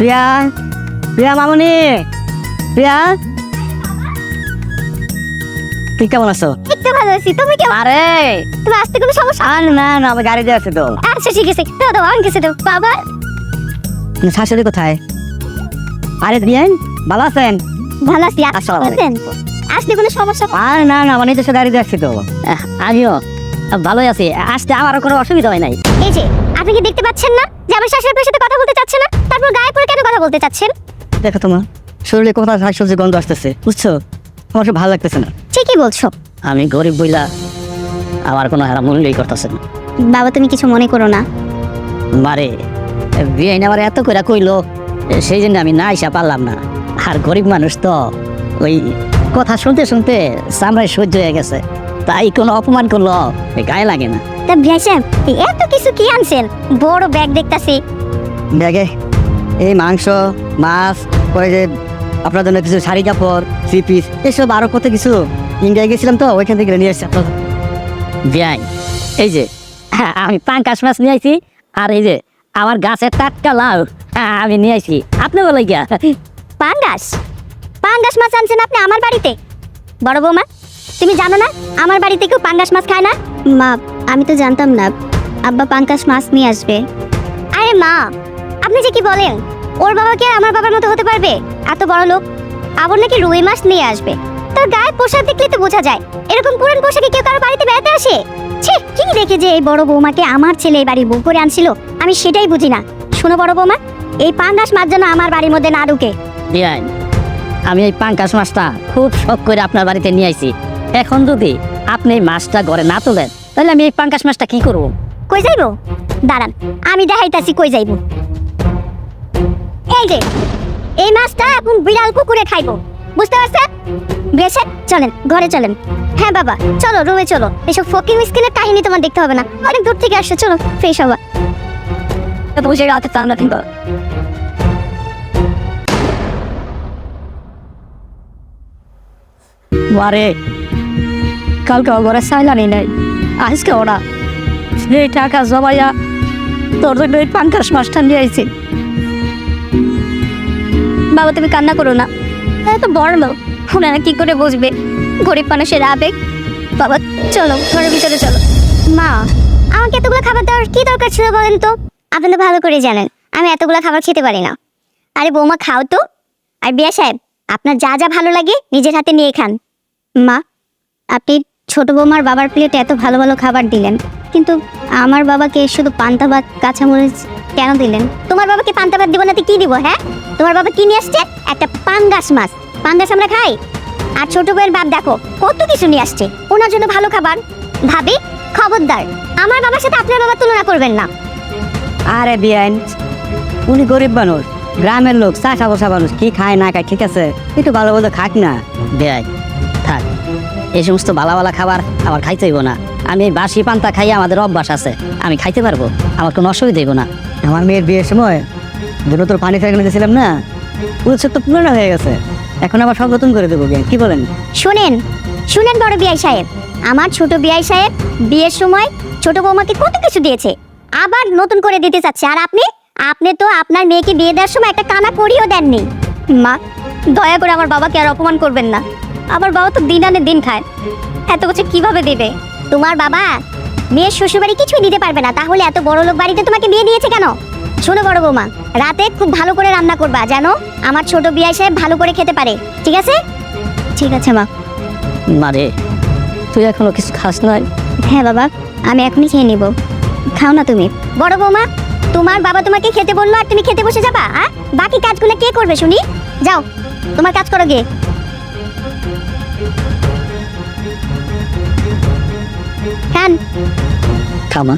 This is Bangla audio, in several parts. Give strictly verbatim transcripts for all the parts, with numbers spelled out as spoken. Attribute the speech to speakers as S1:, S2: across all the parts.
S1: প্রিয়া, প্রিয়া মামনি, প্রিয়া, তুই কেমন আছো?
S2: একটু ভালো আছি, তুমি কেমন?
S1: আরে
S2: তুমি আসতে কোনো সমস্যা?
S1: আর না না, আমার গাড়ি দিয়ে আছে তো।
S2: আচ্ছা ঠিক আছে, দাও দাও, আমি গেছে দাও। বাবা
S1: শাশুড়ি কোথায়? আরে বিয়েন, ভালো আছেন?
S2: ভালো আছি।
S1: আসসালামু
S2: আসেন, আসতে কোনো সমস্যা?
S1: আর না না, মানে নিজস্ব গাড়ি দিয়ে আসছি তো। আমিও ভালোই আছি, আসতে আমার কোনো অসুবিধা হয় নাই।
S2: এই যে আপনি কি দেখতে পাচ্ছেন না যে আমার শাশুড়ি আপনার সাথে কথা বলতে চাচ্ছে না? তারপর গায়ে পড়ে কেন কথা বলতে চাচ্ছেন?
S1: দেখো তোমার শরীরে কোথাও শাকসবজি গন্ধ আসতেছে, বুঝছো? আমার সব ভালো লাগতেছে না।
S2: ঠিকই বলছো।
S1: আমি গরিব বইলা আমার কোনো হারা মূল্যই করতেছে না।
S2: বাবা তুমি কিছু মনে করো না।
S1: মারে বিয়ে আমার এত করে কইলো, সেই জন্য আমি না আইসা পারলাম না। আর গরিব মানুষ তো ওই কথা শুনতে শুনতে চামড়ায় সহ্য হয়ে গেছে, তাই কোনো অপমান করলো গায়ে লাগে না।
S2: তা ভাই সাহেব এত কিছু কি আনছেন? বড় ব্যাগ দেখতাছি।
S1: ব্যাগে এই মাংস, মাছ, ওই যে আপনার জন্য কিছু শাড়ি কাপড়, থ্রি পিস, এসব আরো কত কিছু। ইন্ডিয়া গেছিলাম তো, ওইখান থেকে নিয়ে এসছি আপনার বিয়াই। এই যে হ্যাঁ, আমি পাঙ্কাশ মাছ নিয়ে আইছি, আর এই যে আমার গাছের টাটকা লাউ হ্যাঁ, আমি নিয়ে আইছি। আপনি বলে গিয়া
S2: পাঙ্গাস পাঙ্গাস মাছ আনছেন আপনি আমার বাড়িতে? বড় বৌমা তুমি জানো না আমার বাড়িতে কেউ পাঙ্গাস মাছ খায় না? মা আমি তো জানতাম না আব্বা পাঙ্গাস মাছ নিয়ে আসবে। আরে মা আপনি যে কি বলেন, ওর বাবা কি আর আমার বাবার মতো হতে পারবে? এত বড় লোক। আবার নাকি রুই মাছ নিয়ে আসবে। তার গায়ে পোশাক দেখলে তো বোঝা যায় এরকম পুরান পোশাকে কেউ কারো বাড়িতে বেড়াতে আসে? ছি, কি দেখে যে এই বড় বৌমাকে আমার ছেলে এই বাড়ির বউ করে আনছিল আমি সেটাই বুঝি না। শোনো বড় বৌমা, এই পাঙ্গাস মাছ যেন আমার বাড়ির মধ্যে না ঢুকে।
S1: বিয়াই, আমি এই পাঙ্কাশ মাছটা খুব শখ করে আপনার বাড়িতে নিয়ে আইছি। এখন যদি আপনি এই মাছটা ঘরে না তোলেন, তাহলে আমি এই পাঙ্কাশ মাছটা কি করবো?
S2: কই যাইবো? দাঁড়ান আমি দেখাইতাছি কই যাইবো। এই যে এই মাছটা এখন বিড়াল কুকুরে খাইবো, বুঝতে পারছেন? বেশে চলেন ঘরে চলেন। হ্যাঁ বাবা চলো রুমে চলো, এসব ফকির মিসকিনের কাহিনী তোমার দেখতে হবে না, অনেক দূর থেকে আসছে। চলো ফ্রেশ হবা।
S1: বসে রাতে চান না কিন্তু মারে কালকে ঘরে সাইলানি নাই, আজকে ওরা সেই টাকা জমাইয়া তোর জন্য এই পাঙ্কাশ মাছটা নিয়ে আইছি।
S2: বাবা তুমি কান্না করো না, এত বড় লোক ওনারা কি করে বুঝবে গরিব মানুষের আবেগ। বাবা চলো ঘরের ভিতরে চলো। মা আমাকে এতগুলো খাবার দেওয়ার কি দরকার ছিল বলেন তো? আপনি তো ভালো করে জানেন আমি এতগুলো খাবার খেতে পারি না। আরে বৌমা খাও তো। আর বিয়া সাহেব আপনার যা যা ভালো লাগে নিজের হাতে নিয়ে খান। মা আপনি ছোট বৌমার বাবার প্লেটে এত ভালো ভালো খাবার দিলেন, কিন্তু আমার বাবাকে শুধু পান্তা ভাত কাঁচামরিচ কেন দিলেন? তোমার বাবাকে পান্তা ভাত দিব না তো কি দিব? হ্যাঁ তোমার বাবা কি নিয়ে আসছে? একটা পাঙ্গাস মাছ। পাঙ্গাস আমরা খাই। আর ছোট বউয়ের বাপ দেখো কত কিছু নিয়ে আসছে ওনার জন্য ভালো খাবার। ভাবি খবরদার আমার বাবার সাথে আপনার বাবার তুলনা করবেন না।
S1: আরে বিয়ান, উনি গরিব মানুষ, গ্রামের লোক, চাষা বসা মানুষ, কি খায় না খায় ঠিক আছে, একটু ভালো ভালো খাক না। বেয়াই থাক, এই সমস্ত ভালো ভালো খাবার আমার খাইতে হইব না। আমি এই বাসি পান্তা খাই, আমাদের অভ্যাস আছে, আমি খাইতে পারবো, আমার কোনো অসুবিধা হইব না। আমার মেয়ের বিয়ের সময় দুটো তোর পানি ফেলে দিয়েছিলাম না, উৎসব তো পুরনো হয়ে গেছে, এখন আবার সব নতুন করে দেবো। কি বলেন?
S2: শুনেন শুনেন বড় বিয়াই সাহেব, আমার ছোট বিয়াই সাহেব বিয়ের সময় ছোট বৌমাকে কত কিছু দিয়েছে, আবার নতুন করে দিতে চাচ্ছে। আর আপনি আপনি তো আপনার মেয়েকে বিয়ে দেওয়ার সময় একটা কানা করিও দেননি। মা দয়া করে আমার বাবাকে আর অপমান করবেন না, আমার বাবা তো দিন আনে দিন খায়, এত কিছু কিভাবে দেবে? তোমার বাবা মেয়ের শ্বশুরবাড়ি কিছুই দিতে পারবে না, তাহলে এত বড় লোক বাড়িতে তোমাকে বিয়ে দিয়েছে কেন? শোনো বড় বৌমা, রাতে খুব ভালো করে রান্না করবা যেন আমার ছোট বিয়াই সাহেব ভালো করে খেতে পারে, ঠিক আছে? ঠিক আছে মা।
S1: মারে তুই এখনো কিছু খাস নাই?
S2: হ্যাঁ বাবা আমি এখনই খেয়ে নিব। খাও না তুমি। বড় বৌমা তোমার বাবা তোমাকে খেতে বললো আর তুমি খেতে বসে যাবা? আর বাকি কাজগুলো কে করবে শুনি? যাও তোমার কাজ করো গিয়ে। খান।
S1: খামা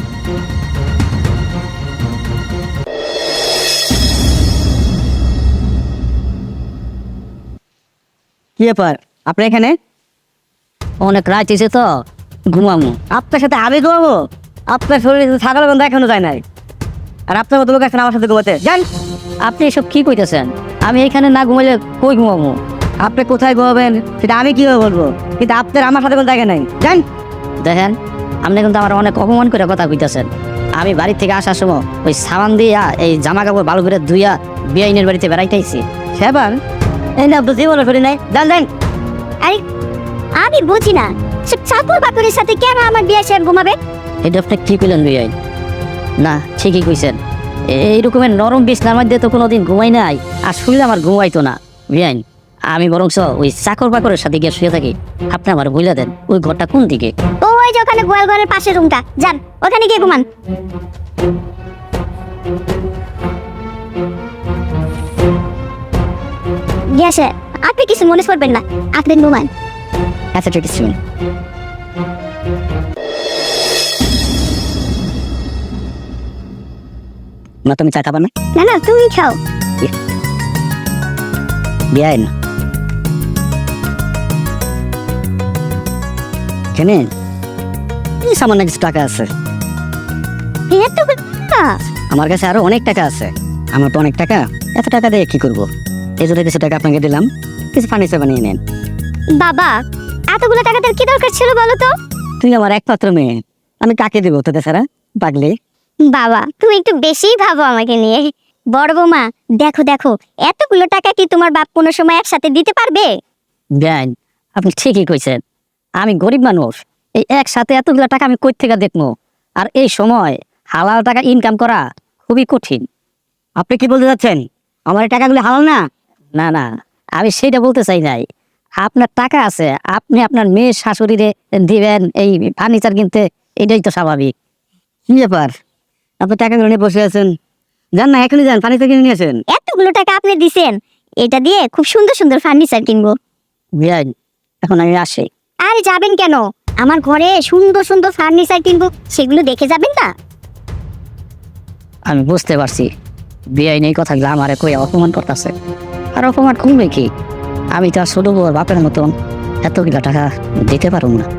S1: কি ব্যাপার আপনি এখানে? অনেক রাত হয়েছে তো, ঘুমামো। আপনার সাথে আমি ঘুমাবো? আপনার শরীরে ছাগল গন্ধ এখনো যায় নাই, আর আপনার মতো লোক এখন আমার সাথে ঘুমাতে যান। আপনি এসব কি কইতেছেন? আমি এখানে না ঘুমাইলে কই ঘুমাবো? আপনি কোথায় ঘুমাবেন সেটা আমি কিভাবে বলবো, কিন্তু আপনার আমার সাথে কোনো জায়গা নাই। যান। দেখেন আপনি কিন্তু আমার অনেক অপমান করে কথা কইতেছেন। আমি বাড়ি থেকে আসার সময় ওই সাবান দিয়া এই জামা কাপড় ভালো করে ধুইয়া বিআইনের বাড়িতে বেড়াইতেছি সেবার এই না বুঝি বলো ফেরি নাই দেন দেন।
S2: আরে আমি বুঝি না সে চাকর বাকরের সাথে কেন আমার বিয়ে সাহেব ঘুমাবে?
S1: এটা আপনি কি কইলেন বিআইন? না ঠিকই কইছেন, এই রকমের নরম বিছনার মধ্যে তো কোনোদিন ঘুমাই নাই, আর শুনলে আমার ঘুমাইতো না। বিআইন আমি বরং ওই চাকর বাকরের সাথে গিয়ে শুয়ে থাকি। আপনি আমার বলে দেন ওই ঘরটা কোন দিকে?
S2: ও ওই যে ওখানে গোয়াল ঘরের পাশের রুমটা, যান ওখানে গিয়ে ঘুমান। বিয়ে সাহেব আপনি কিছু মনে করবেন না, আপনি ঘুমান।
S1: আচ্ছা ঠিক আছে। না তুমি চা খাবা না?
S2: না না তুমি খাও।
S1: বিআইন কেন এই সামান্য কিছু টাকা আছে,
S2: এত টাকা?
S1: আমার কাছে আরো অনেক টাকা আছে। আমার তো অনেক টাকা, এত টাকা দিয়ে কি করবো? এই জন্য কিছু টাকা আপনাকে দিলাম, কিছু ফার্নিচার বানিয়ে নেন।
S2: বাবা এতগুলো টাকা তোর কি দরকার ছিল বলো তো?
S1: তুই আমার একমাত্র মেয়ে, আমি কাকে দেবো তোদের ছাড়া? পাগলি
S2: বাবা তুমি একটু বেশিই ভাবো আমাকে নিয়ে। বড় বৌমা দেখো দেখো, এতগুলো টাকা কি তোমার বাপ কোনো সময় একসাথে দিতে পারবে?
S1: বিআইন আপনি ঠিকই কইছেন, আমি গরিব মানুষ, এই একসাথে এতগুলো টাকা আমি কই থেকে দেখবো? আর এই সময় হালাল টাকা ইনকাম করা খুবই কঠিন। আপনি কি বলতে চাচ্ছেন আমার এই টাকাগুলো হালাল না? না না আমি সেইটা বলতে চাই নাই। আপনার টাকা আছে, আপনি আপনার মেয়ের শাশুড়িরে দিবেন এই ফার্নিচার কিনতে, এটাই তো স্বাভাবিক। কি ব্যাপার আপনি টাকাগুলো নিয়ে বসে আছেন? যান না এখনই যান, ফার্নিচার কিনে নিয়েছেন।
S2: এতগুলো টাকা আপনি দিছেন, এটা দিয়ে খুব সুন্দর সুন্দর ফার্নিচার কিনবো।
S1: বিআইন এখন আমি আসি।
S2: আরে যাবেন কেন? আমার ঘরে সুন্দর সুন্দর ফার্নিচার কিনবো, সেগুলো দেখে যাবেন না?
S1: আমি বুঝতে পারছি বিআইন এই কথাগুলো আমারে কই অপমান করতেছে। আর অপমান কমবে কি? আমি তো আর ছোট বউর বাপের মতন এতগুলো টাকা দিতে পারবো না।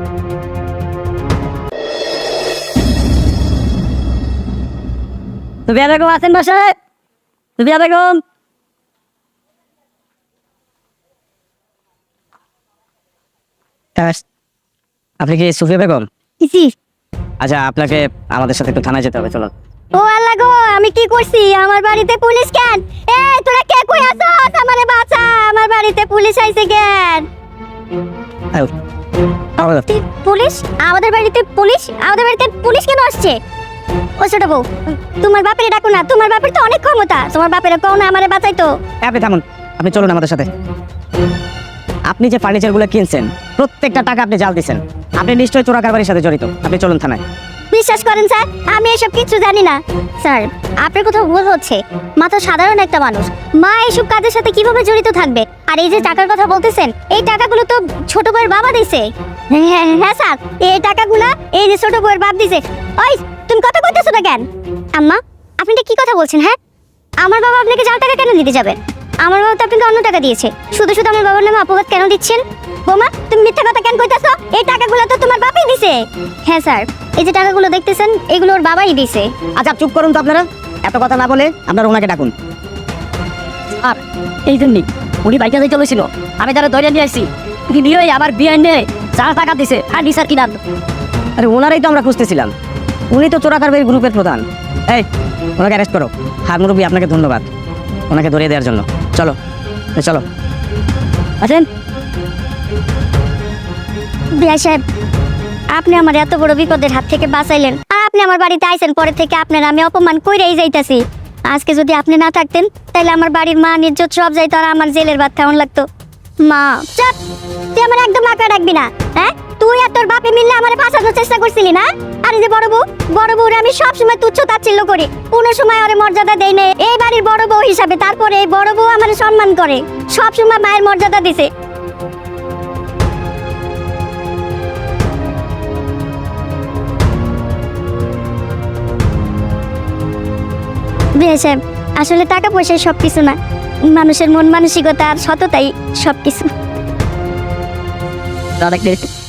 S1: সুবিয়া বেগম আছেন বাসায়? সুবিয়া বেগম আপনি কি সুফিয়া বেগম?
S2: জি।
S3: আচ্ছা আপনাকে আমাদের সাথে একটু থানায় যেতে হবে, চলো।
S2: ও আল্লাহ গো, আমি কি করছি? আমার বাড়িতে পুলিশ কেন? এ তোরা কে কই আছস? আমারে বাঁচা, আমার বাড়িতে পুলিশ আইছে কেন?
S3: আয়ো, আমাদের-
S2: তুই পুলিশ? আমাদের বাড়িতে পুলিশ? আমাদের বাড়িতে পুলিশ কেন আসছে? ও ছোট বউ তোমার বাপের ডাকো না, তোমার বাপের তো অনেক ক্ষমতা, তোমার বাপের কও না আমারে বাঁচাইতো।
S3: এ, আপনি থামুন, আপনি চলুন আমাদের সাথে। আপনি যে ফার্নিচারগুলো কিনছেন প্রত্যেকটা টাকা আপনি জাল দিচ্ছেন, আপনি নিশ্চয়ই চোরা কারবারির সাথে জড়িত। আপনি চলুন থানায়।
S2: বিশ্বাস করেন স্যার, আমি এসব কিছু জানি না। স্যার আপনার কোথাও ভুল হচ্ছে, মা তো সাধারণ একটা মানুষ, মা এইসব কাজের সাথে কিভাবে জড়িত থাকবে? আর এই যে টাকার কথা বলতেছেন, এই টাকাগুলো তো ছোট বউয়ের বাবা দিছে। হ্যাঁ হ্যাঁ হ্যাঁ স্যার, এই টাকাগুলো এই যে ছোট বউয়ের বাপ দিছে। ওই তুমি কথা কইতেছো না কেন? আম্মা আপনি এটা কি কথা বলছেন? হ্যাঁ আমার বাবা আপনাকে জাল টাকা কেন দিতে যাবে? আমার বাবা তো আপনাকে অন্য টাকা দিয়েছে, শুধু শুধু আমার বাবার নামে অপবাদ কেন দিচ্ছেন? বোমা তুমি মিথ্যা কথা কেন কইতাছো? এই টাকাগুলো তো তোমার বাবাই দিছে। হ্যাঁ স্যার, এই যে টাকাগুলো দেখতেছেন এগুলো ওর বাবাই দিছে।
S1: আচ্ছা চুপ করুন তো আপনারা, এত কথা না বলে আপনারা ওনাকে ডাকুন। আর এই জন্যই উনি বাইকে যাই চলেছিল, আমি তারা ধরে নিয়ে আসছি। তিনি নিয়ে আবার বিয়ে নিয়ে চার টাকা দিছে ফার্নিচার কিনার।
S3: আরে ওনারাই তো আমরা খুঁজতেছিলাম, উনি তো চোরা কারবারি গ্রুপের প্রধান। এই ওনাকে অ্যারেস্ট করো। হার মুরব্বী আপনাকে ধন্যবাদ ওনাকে ধরিয়ে দেওয়ার জন্য। চলো এ, চলো।
S1: আছেন
S2: বিয়া সাহেব আপনি আমার এত বড় বিপদের হাত থেকে বাঁচাইলেন, আর আপনি আমার বাড়িতে আইছেন পরে থেকে আপনার আমি অপমান কইরাই যাইতাছি। আজকে যদি আপনি না থাকতেন তাহলে আমার বাড়ির মান ইজ্জত সব যাইতো, আর আমার জেলের ভাত খাওয়ান লাগতো। মা চাপ, তুই আমার একদম মাকে ডাকবি না। হ্যাঁ তুই আর তোর বাপে মিললে আমার ফাঁসানোর চেষ্টা করছিলি না? আর এই যে বড় বউ, বড় বউরে আমি সব সময় তুচ্ছ তাচ্ছিল্য করি, কোনো সময় ওরে মর্যাদা দেই না এই বাড়ির বড় বউ হিসাবে। তারপরে এই বড় বউ আমার সম্মান করে, সব সময় মায়ের মর্যাদা দিছে। বিয়ে সাহেব আসলে টাকা পয়সায় সব কিছু না, মানুষের মন মানসিকতা আর সততাই সব কিছু।
S1: দাদা